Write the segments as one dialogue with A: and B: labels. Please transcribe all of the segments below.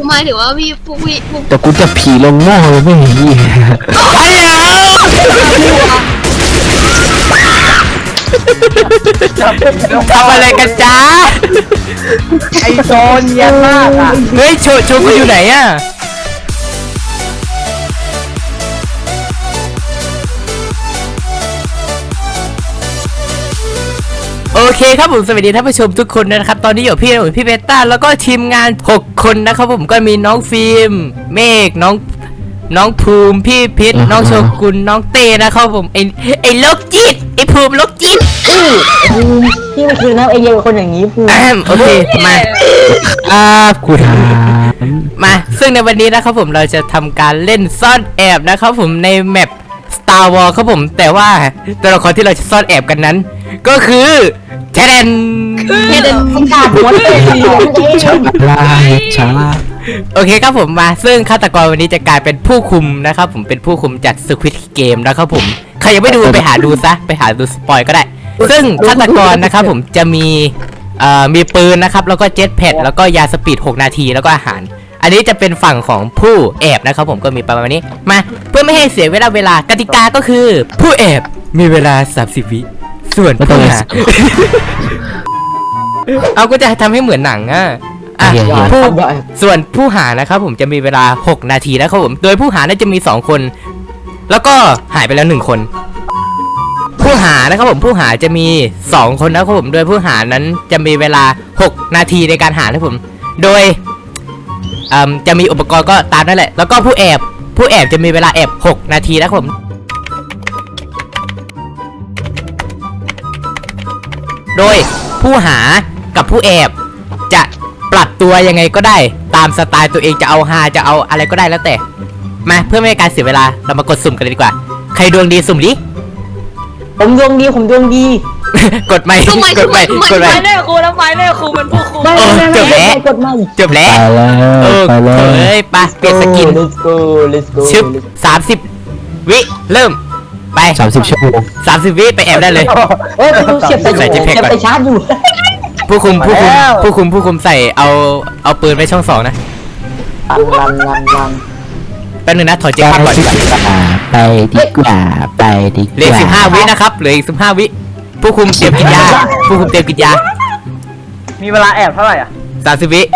A: หมายถึงว่าพี่
B: แต่กูจะผีลงหม้อเลยไม่เห็นยี่
C: ทำอะไรกันจ้าไอโซนเยี่ยมมากอ่ะเฮ้ยโชว์กูอยู่ไหนอ่ะโอเคครับผมสวัสดีท่านผู้ชมทุกคนนะครับตอนนี้อยู่พี่เบต้าแล้วก็ทีมงาน6คนนะครับผมก็มีน้องฟิล์มเมฆน้องภูมิพี่พิษน้องโชกุนน้องเต้นะครับผมไอ้โลกจิตไอ้ภูมิโลกจิต
D: พี่มันคือน้ำไอเดียคนอย่างนี้ภูมิ
C: โอเคมา
B: กูถาม
C: มาซึ่งในวันนี้นะครับผมเราจะทำการเล่นซ่อนแอบนะครับผมในแมป Star Wars ครับผมแต่ว่าตัวละครที่เราจะซ่อนแอบกันนั้นก็คือแทน
D: มันขาดหัวเลย
B: ช้า
C: โอเคครับผมมาซึ่งฆาตกรวันนี้จะกลายเป็นผู้คุมนะครับผมเป็นผู้คุมจาก Squid Game นะครับผมใครยังไม่ดูไปหาดูซะไปหาดูสปอยก็ได้ซึ่งฆาตกรนะครับผมจะมีปืนนะครับแล้วก็เจ็ตแพดแล้วก็ยาสปีด6นาทีแล้วก็อาหารอันนี้จะเป็นฝั่งของผู้แอบนะครับผมก็มีประมาณนี้มาเพื่อไม่ให้เสียเวลากติกาก็คือผู้แอบมีเวลา30 วิส่วนผู้หาเอาก็จะทำให้เหมือนหนังส่วนผู้หานะครับผมจะมีเวลา6นาทีนะครับผมโดยผู้หาน่าจะมี2คนแล้วก็หายไปแล้ว1คนผู้หานะครับผมผู้หาจะมี2คนนะครับผมโดยผู้หานั้นจะมีเวลา6นาทีในการหานะครับผมโดยจะมีอุปกรณ์ก็ตามนั่นแหละแล้วก็ผู้แอบจะมีเวลาแอบ6นาทีนะครับผมโดยผู้หากับผู้แอบจะปรับตัวยังไงก็ได้ตามสไตล์ตัวเองจะเอาฮาจะเอาอะไรก็ได้แล้วแต่มาเพื่อไม่ให้การเสียเวลาเรามากดสุ่มกันเลยดีกว่าใครดวงดีสุ่มดิ
D: ผมดวงดี
C: กดไม่กดไม่
A: แน่ครูแล้วไฟแน่ครูมันผู้ครู
C: จบแล้วเฮ้ยไปเปลี่ยนสกินชึบ30 วิเริ่มไป
B: 30 ชั่วโมง
C: 30 วิไปแอบได้เลย
D: เสียบไปชาร์จอยู่
C: ผู้คุมใส่เอาปืนไปช่อง2นะแป๊บนึงนะถอยเจ็คก่อน
B: ไปดีกว่า
C: เหลือ15 วินะครับเหลืออีก15 วิผู้คุมเตรียมกินยา
E: มีเวลาแอบเท่าไหร่อ่ะ
C: 30 วิ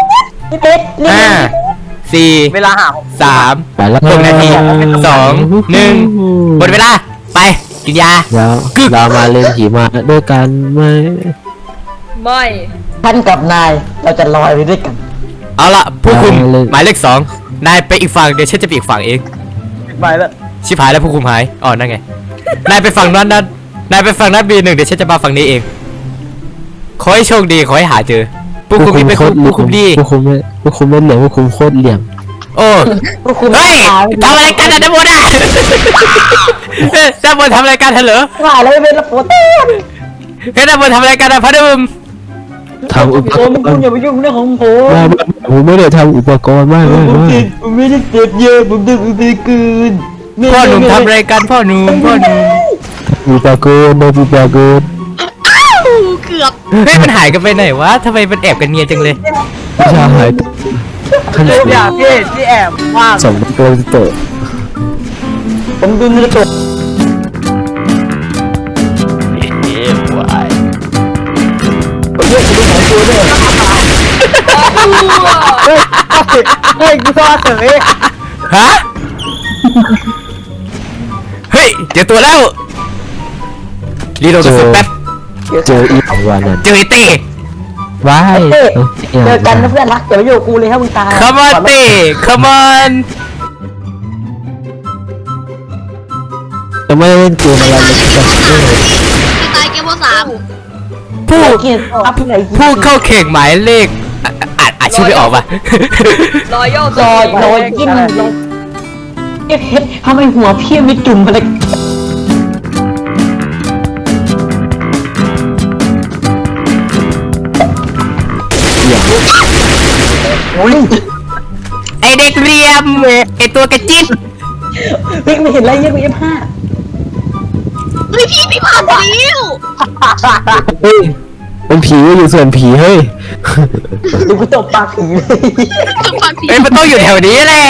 C: 5 4
E: เวลาหา
C: 3 6 นาที2 1หมดเวลาไปกินยา
B: เรามาเล่นผีมาด้วยกันไหม
A: ไม่
D: ท่านกับนายเราจะลอยไปด้วยกัน
C: เอาละผู้คุมหมายเลข2นายไปอีกฝั่งเดี๋ยวฉันจะไปอีกฝั่งเอง
E: ไปแล้ว
C: ชิบหายแล้วผู้คุมหายอ๋อนั่นไงนายไปฝั่งนั้นนายไปฝั่งนั้นB1เดี๋ยวฉันจะมาฝั่งนี้เองขอให้โชคดีขอให้หาเจอผู้คุมนี่เป็นผู้คุมดี
B: ผู้คุมไม่เหลี่ยมผู้คุมโคตรเหลี่ยม
C: โอ้เฮ้ยทำอะไรกันด้านบนอ่ะด้านบนทำอะไรกันเหรอ
D: แล้วไม่เป็นละโฟโต้
C: เฮ้ยด้านบนทำอะไรกันพระดุม
B: ทำอุปกรณ์
D: คุณอย่าไปยุ่งเรื่องของ
B: ผมไม่ได้ทำอุปกรณ์มาก
D: ผมไม่ได้เจ็บเยอะผมดื่มไปคืน
C: พ่อหนุ่มทำอะไรกันพ่อหนุ่ม
B: อุปกรณ์
A: เกือบ
C: เฮ้ยมันหายกันไปไหนวะทำไมมันแอบกันเนียจังเลย
B: ไม่ใช่หาย
E: อยากที่แอบว่าง
B: ส่งตัวโต
D: ผมดูมือโต
E: เฮ้ยกูชอบเฉย
C: ฮะเฮ้ยเจอตัวแล้วรีโหลดกระสุนแป๊บ
B: เจออีกวันนั้น
C: เจอเต้
B: ว้าย
D: เจอกันนะเพื่อนรักเดี๋ยวอยู่กูเลยถ้ามึงตาย
C: Come on เต้ Come on
B: จะไม่เล่นเกมอะไรเลยจะ
A: ตายเกม3
C: ผู้เข้าแข่งหมายเลขอ่านชื่อไม่ออกป่ะ
A: รอย
D: กินทำไมหัวพี่มีจุ่มอะไร
C: ไอเด็กเรียมไอตัวกระจิ๊บ
D: ไม่เห็นอะไรยังไม่F5
A: เฮ้ยพี่ผ่านแล้ว
B: เฮ้ยเป็นผีอยู่ส่วนผีเฮ้ย
D: ดูกูตบปากผีเลย
A: ทุกคนผี
C: เฮ้ยมันต้องอยู่แถวนี้แหละ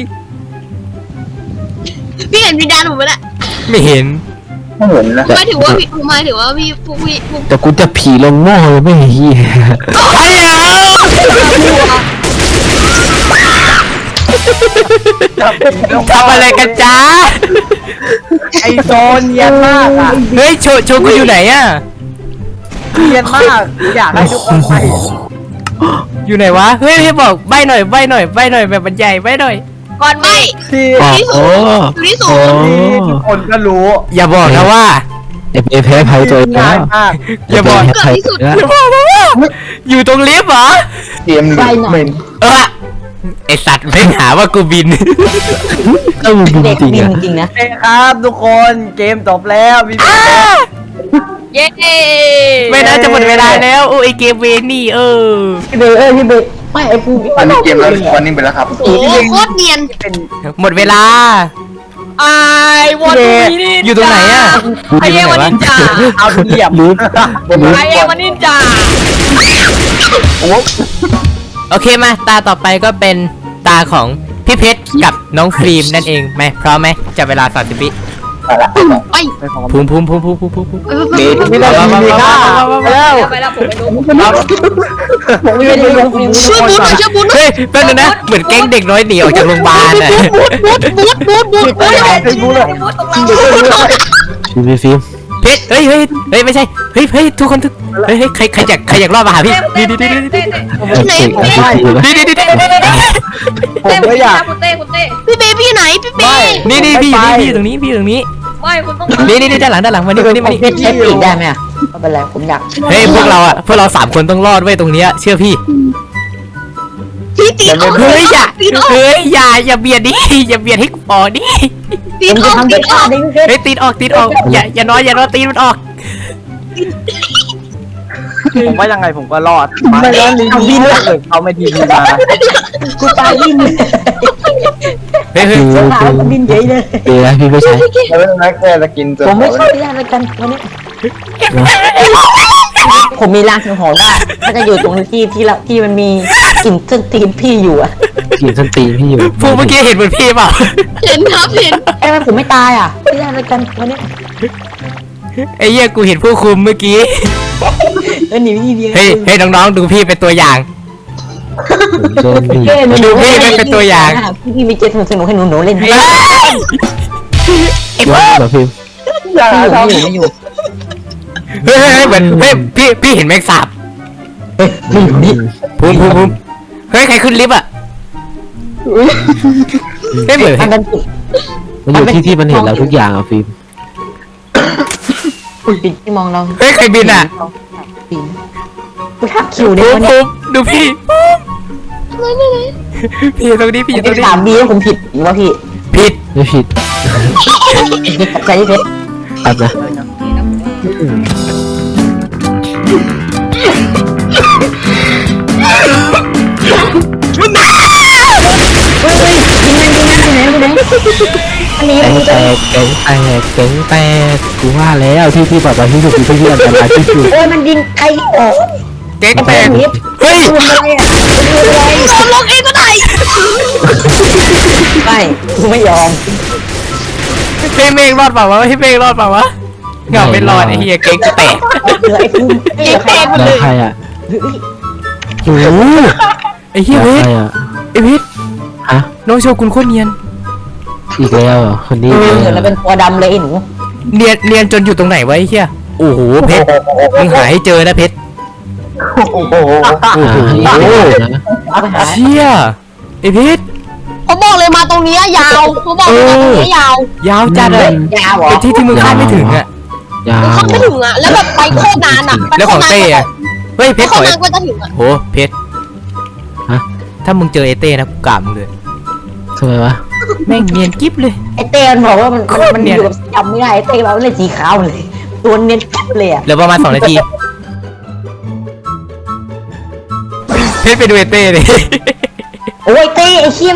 A: พี่เห็นวิญญาณผมไหมล่ะ
C: ไม่เห็น
E: ไม่เห็นนะ
A: หมายถึงว่าพี่พวกพี่
B: แต่กูจะผีลงหม้อเลยไม่เฮีย
C: ทำอะไรกันจ้า
E: ไอโซนเนียนมากอ่ะ
C: เฮ้ยโชกูอยู่ไหนอะ
E: เนียนมากอยากให้ทุกคนไป
C: อยู่ไหนวะเฮ้ยบอกใบหน่อยแบบบรรยายใบหน่อย
A: ก่อนไม่
E: ที่
B: โอ้
A: อยู่ที่สู
B: โอ้
A: ง
E: ทุกคนก็รู้
C: อย่าบอกนะว่า
B: เอฟแพ้ภัยตัวเองแล้
E: ง่ายว มาก
C: อย่าบอก
B: แพ้ภัยตัวเองแล้ว
C: อย่าบอกนะว่าอยู่ตรงลิฟต์เหรอ
E: เตรียม
D: ไปหน่อย
C: ไอสัตว์ไม่หาว่ากูบิน
B: ก็มึง
D: เด็ก
B: จริง
D: บิน
B: อ่ะ
D: จริงนะ
E: โอเคครับทุกคนเกมจบแล้วมี
A: เย้
C: ไม่น่าจะหมดเวลาแล้วโอ้ยเกมเวนี่
D: พี่เบย์พี่เบย์ไม่ไอ้ปู
E: วันนี้เกมแล้ววันนี้ไปแล้วครับ
A: โอ้โคตรเนียน
E: เป็น
C: หมดเวลา
A: ไอ้วันนี้
C: อยู่ตรงไหนอะ
A: ไอเอวันนินจา
E: เอาเหยียบ
B: ลืม
A: ไอเอวันนินจา
C: โอเคมาตาต่อไปก็เป็นตาของพี่เพชรกับน้องฟิล์มนั่นเองไหมพร้อมไหมจับเวลา30 วิ
A: ไป
C: ภูมิ
E: เบสไม่ได้
C: มา
E: มีค่าแล้ว
A: ไปแล้วผมไปดู
D: ผมไม่ได้ลงฟิล์ม
A: ช่วยบูทหน่อยช่วยบูทหน่อย
C: เฮ้ยแป๊บนึงนะเหมือนแก๊งเด็กน้อยหนีออกจากโรงพยาบาลอะ
A: บูทตรงเรา
B: ฟิล์ม
C: เพชรเฮ้ยไม่ใช่เฮ้ยทุกคนเฮ้ยใครอยากรอดมาหาพี่นี่
A: เต้
E: ผมก็อยาก
A: คุณเต้พี่เบบี้ไหนพี่เบ
C: นี่พี่ตรงนี้
A: ไม่คุณต้อง
C: นี่ด้านหลังมานี่
D: เพชรใช้ปีกได้ไหมอ่ะไม่เป็นไรผมอยาก
C: เฮ้ยพวกเรา3 คนต้องรอดไว้ตรงเนี้ยเชื่อพี่
A: พี่ตีออก
C: เฮ้ยอย่า
A: ตีออก
C: อย่าเบียดดิอย่าเบียดให้กูออกดิ
A: ตี
D: ผม
A: อ
D: จะ
A: อก
D: ทำ
A: ตี
D: เป็น
A: อ
D: ท่า
A: อก
D: ดิ้งเพชร
C: เฮ้ยตีนออกอย่านอนตีนมันออก
E: ผมว่ายังไงผมก็รอดไม่ร้อนดีดีเลยเขาไม่ดีมา
D: กูตายดิ้นเลย
C: เฮ้ย
B: คือ
D: สาวก็บินเฉยเลย
B: ปีแล้วพี่ไม่ใช่
E: แล้วนักแกจะกินจน
D: ผมไม่เข้าได้แล้วกันวันนี้ผมมีรางสังหรณ์ว่าถ้าจะอยู่ตรงที่มันมีกลิ่นเครื่องตีนพี่อยู่อ่ะ
B: กินส้นตีนพี่อยู่
C: พวกเมื่อกี้เห็นเหมือนพี่เปล่า
A: เห็นครับเห็น
D: ไอ้แม่ผมไม่ตายอ่ะไม่ได้แล้วกันวันนี้
C: ไอ้เหี้ยกูเห็นผู้คุมเมื่อกี้
D: หนีวิธีเดียว
C: เฮ้ยน้องๆดูพี่เป็นตัวอย่าง
B: โดนบีบ
C: ดูพี่เป็นตัวอย่าง
D: พี่มีเจตสนุกให้หนูเล่นให้
C: เฮ้ยไอ้พวก
B: เหรอฟิล์ม
E: อย่าทำ
D: ไม่อยู่
C: เฮ้ยเหมือนเฮ้ยพี่เห็นแมงสาบ
D: ไม่อยู่นี่
C: ภูมิเฮ้ยใครขึ้นลิฟต์อ่ะไม่เหมือน
D: มันเป็นจุด
B: มันอยู่ที่มันเห็นเราทุกอย่างอ่ะฟิล์ม
D: ปิดที่มองเรา
C: เฮ้ยใครบินอ่ะ
D: กูทักคิวได้
C: ภู
D: วันนี้
C: มิดูพี่พี่อยู่ตรงนี้พี่อยู่ตรงนี้
D: ถามบีว่าผมผิดหรือว่าพี่
C: ผิด
B: ไม่ผิด
D: กับใจเพชร
B: ครับนะ
D: เฮ้ยยิงมันยิงมันอยู่ไหนอันนี้
B: แตกแตกกูว่าแล้วที่ปลอดภัยที่สุดคือที่อันตรายที่สุด
D: โอ้ยมันยิงใครออก
C: เก๊ก
D: ไอ้
C: แต
D: แป้
C: ก
D: งนี้
C: เฮ้ย
D: ดูอะไรอ่ะดูอะไร
A: ผมลงเองก็ได้
D: ไม่กูไม่ยอม
C: พี่เมฆรอดเปล่าวะพี่เมฆรอดเปล่าวะเงาไม่รอดไอ้เหี้ยเก๊กแตก
D: เหลือไอ้ภูมิ
A: ยิงแตกหมด
B: แล้
A: เล
B: วย ใครอ่ะ
C: โอ้โหไอ้เหี้ย
B: แล้ว
C: เพช
B: ใค
C: ร
B: รอ่ะ
C: ไอ้เพชร
B: ฮะ
C: น้องโชกุนโคตรเนียน
B: อีกแล้วคนนี้
D: แล้วเป็นตัวดำเลยไอ้หนู
C: เนียนจนอยู่ตรงไหนวะไอ้เหี้ยโอ้โหเพชรมึงหาให้เจอนะเพชร
E: โอ้โห
B: โอ้โห
D: เอาไปหา
C: เชี่ยไอ้เพชร
A: ผมบอกเลยมาตรงนี้ยาวผมบอกเลยมาตรงนี้ยาว
C: ยาวจัดเลย
D: ยาวเหรอ
C: เป็นที่มึงคาดไม่ถึงอ่ะ
B: ยาว
A: เข้าไม่ถึงอ่ะแล้วแบบไปโคตรนานอ่ะ
C: แล้วของเต้อะเฮ้ยเพ
A: เพ
C: ช
A: ช
C: ร
A: ร
C: ขอ
A: นานก็จะถึงอ่ะ
C: โหเพชรถ้ามึงเจอไอ้เต้นะกูกราบมึงเลย
B: ทำไมวะ
C: แม่งเนียนกิ๊บเลย
D: ไอ้เต้มันบอกว่ามัน
C: โคตร
D: มัน
C: เนี
D: อย
C: น
D: ยู่กับจำไม่ได้ไอ้เต้เราเล่นสีขาวเลย ตัวเนียนกิ๊บเลยอ่ะ
C: เหลือประมาณ2 นาทีเพชรไปดูไอ้เต้เลย
D: โอ้ยเต้ไอ้เชี่ย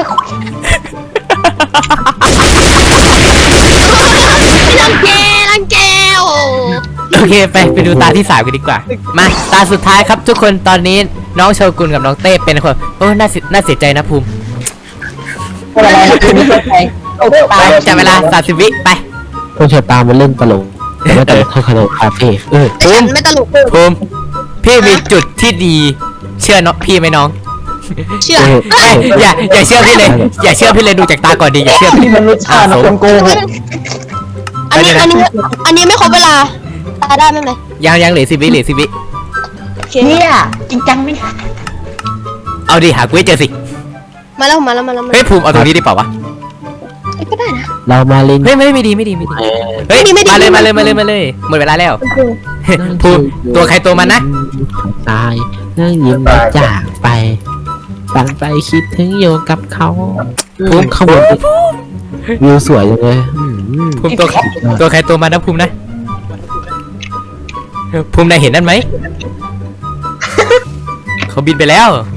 A: รังแกโอ้
C: โอเคไปดูตาที่3กันดีกว่ามาตาสุดท้ายครับทุกคนตอนนี้น้องโชกุนกับน้องเต้เป็นคนโอ้น่าเสียใจนะภูมิ
D: อะไรนะคุณไม่เข้าใจโอ้ตา
C: ไป
D: ย
C: จับเวลา30 วิไป
B: คนชะตามันเล่นตลกแต่ไม่ตลกเท่าคาโนคาเฟ่
A: แต่ฉันไม่ตลกเลย
C: ภูมิพี่มีจุดที่ดีเชื่อน้องพี่ไหมน้อง
A: เชื่อ
C: เอ้ยอย่าเชื่อพี่เลยอย่าเชื่อพี่เลยดูจากตาก่อนดีอย่าเชื่อพี่
D: นี่มันรสชาตินะคนโกหก
A: อันนี้ไม่ครบเวลาตายได้ไหมเลย
C: ยังเหลือ10 วิ
A: โอเค
D: เนี่ยจริงจังไหม
C: เอาดิหากูให้เจอสิ
A: มาแล้ว
C: เฮ้ยภูมิเอาตรงนี้ดีเปล่าวะ
A: ก็ได้นะ
B: เรามาเล่น
C: เฮ้ยไม่ดีเฮ้ยมาเลยหมดเวลาแล้วภูมิตัวใครตัวมันนะ
B: ตายนั่งยิ้มแล้วจากไปฝันไปคิดถึงอยู่กับเขาภูมิขบวนวิวสวยจังเลย
C: ภูมิตัวใครตัวมันนะภูมินะภูมินายเห็นนั่นไหมเขาบินไปแล้ว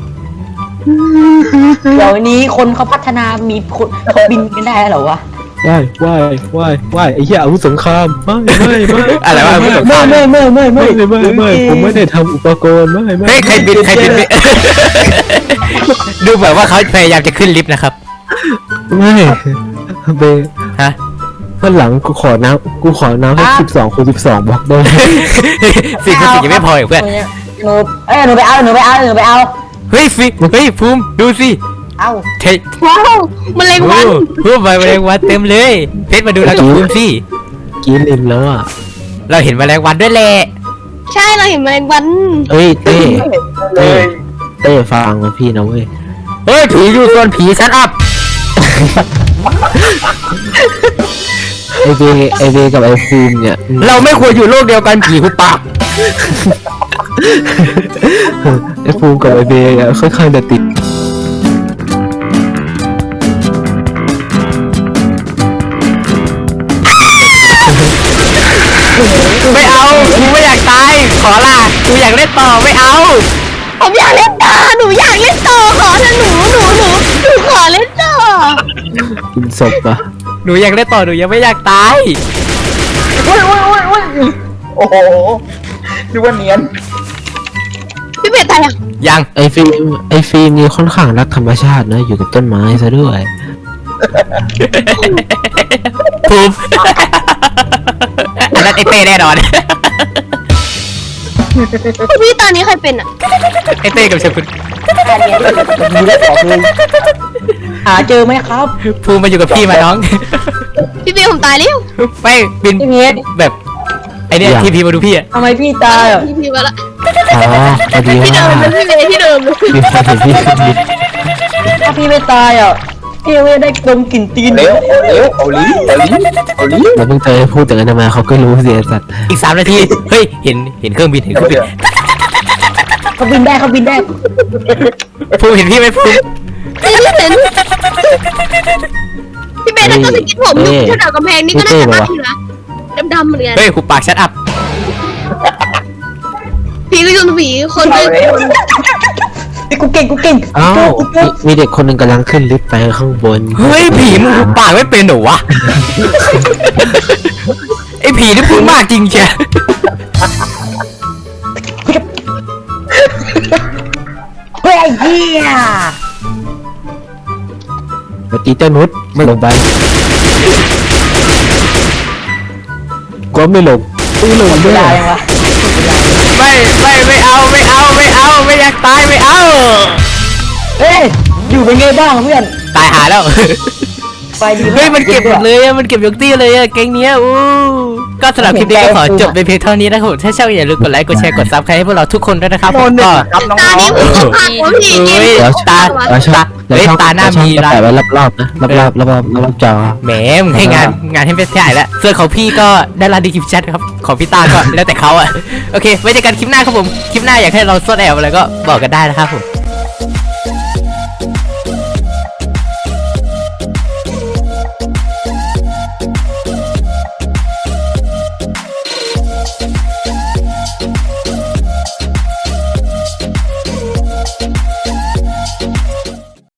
D: เดี๋ยวนี้คนเขาพัฒนามีคนเขาบินกันได้เหรอวะ
B: ว่ายไอ้เหี้ยอาวุธสงครามไม่
C: อะไรวะไม่สงคราม
B: ไม่ผมไม่ได้ทำอุปกรณ์ไม่
C: เฮ้ยใครบินไป ดูแบบว่าเขาพยายามจะขึ้นลิฟต์นะครับ
B: ไม่เบ
C: ฮะ
B: วันหลังกูขอน้ำให้12 คูณ 12บล็อกได้
C: สิ่งยังไม่พออีกเพื่อน
D: หนูไปเอา
C: เฮ้ยภูมิดูสิ
D: เอา
C: เฮ้ย
A: ว้าวมันเล็งวัน
C: ภูมิแมลงวันเต็มเลยเพชรมาดูเรากับภูมิสิ
B: กินลิมแล้วอ่ะ
C: เราเห็นแมลงวันด้วยแหละ
A: ใช่เราเห็นแมลงวัน
B: เอ้ยเต้
E: เลย
B: เต้ฟังนะพี่นะเว้ย
C: เฮ้ยผีอยู่ส่วนผีชัดอัพ
B: ไอเบกับไอฟูมเนี่ย
C: เราไม่ควรอยู่โลกเดียวกันผีหุบปาก
B: ไอฟูมกับไอเบอะค่อนข้างจะติด
C: ไม่เอากูไม่อยากตายขอลากูอยากเล่นต่อไม่เอา
A: ผมอยากเล่นต่อหนูอยากเล่นต่อขอเถอะหนูขอเล่นต่อ
B: กินศพอะ
C: หนูอยากเล่นต่อหนูยังไม่อยากตาย
E: โอ้โหดูว่าเนียน
A: พี่เบสตายยัง
C: ยัง
B: ไอฟิล์มนี่ค่อนข้างรักธรรมชาตินะอยู่กับต้นไม้ซะด้วย
C: ภูมิอันนั้นไอเต้แน่นอน
A: พี่ตอนนี้ใครเป็นอ่ะ
C: ไอเต้กับเชฟคุณ
D: ดูได้ขอคืนหาเจอไหมครับ
C: ภูมิมาอยู่กับพี่มาน้อง
A: พี่เบสผมตายแล้ว
C: ไม่บิน
D: พี่เพชร
C: แบบไอเนี่ยทีพีมาดูพี่อะ
D: ทำไมพี่ตายอ่ะ
A: พี่มาละ
B: อ๋อพอดี
A: ที่
B: ว่า
A: เดิมเป็นพี่เบสที่เดิมเลย
B: มีคนเห็นพี่ขึ้นลิฟต์
D: ถ้าพี่ไม่ตายอ่ะพี่ไม่ได้ดมกลิ่นตีน
E: เร็วเอาลิ้น
B: แล้วเพิ่งเจอพูดแต่กันมาเขาก็รู้เสียสัตว์
C: อีก3 นาทีเฮ้ยเห็นเครื่องบิน
D: เขาบินได้
C: ภูมิเห็นพี่ไหมภูมิ
A: พี่เห็นพี่เบสนั่นก็สกินผมอยู่แถวกำแพงนี่ก็น่าจะตั้งอยู่นะดำๆเหมือนกัน
C: เฮ้ยหุบปากชัดอัพ
A: ผีก็โยนผีคนไป
D: กูเก่ง
B: อ้าวมีเด็กคนหนึ่งกำลังขึ้นลิฟต์ไปข้างบน
C: เฮ้ยผีมึงหุบปากไม่เป็นเหรอวะไอผีนี่พูดมากจริงเชีย
D: เฮ้ยไอ้เหี้ย
B: ปฏิเจ้านุชไม่ลงไปก็ไม่ลงไม่ลง
D: เว
B: ด้วย
D: ลายังวะ
C: ไม่เอาไม่อยากตายไม่เอา
D: เฮ้ยอยู่เป็นไงบ้างเพื่อน
C: ตายหาแล้ว
D: ไปดี
C: เฮ้ยมันเก็บหมดเลยอะมันเก็บยกตี้เลยอะแก๊งเนี้ยอู้ก็สำหรับคลิปนี้ก็ขอจบในเพียงเท่านี้นะครับผมถ้าชอบอย่าลืมกดไลค์กดแชร์กดซับสไครต์ให้พวกเราทุกคนด้วยนะครับผมก็
E: ครับน้อง
A: ตานี้ผมก็พาผมผี
C: เฮ้ย
B: ตา
C: ตา
B: ช่องเฮ้ยตาหน้ามีร้านแต่ไว้รอบๆนะรอบจอ
C: แหมมึงให้งานให้เป็นใหญ่แล้วส่วนของพี่ก็ได้ร้านดีคลิปแชทครับของพี่ตาก็แล้วแต่เขาอะโอเคไว้เจอกันคลิปหน้าครับผมคลิปหน้าอยากให้เราซ่อนแอบอะไรก็บอกกันได้นะครับผม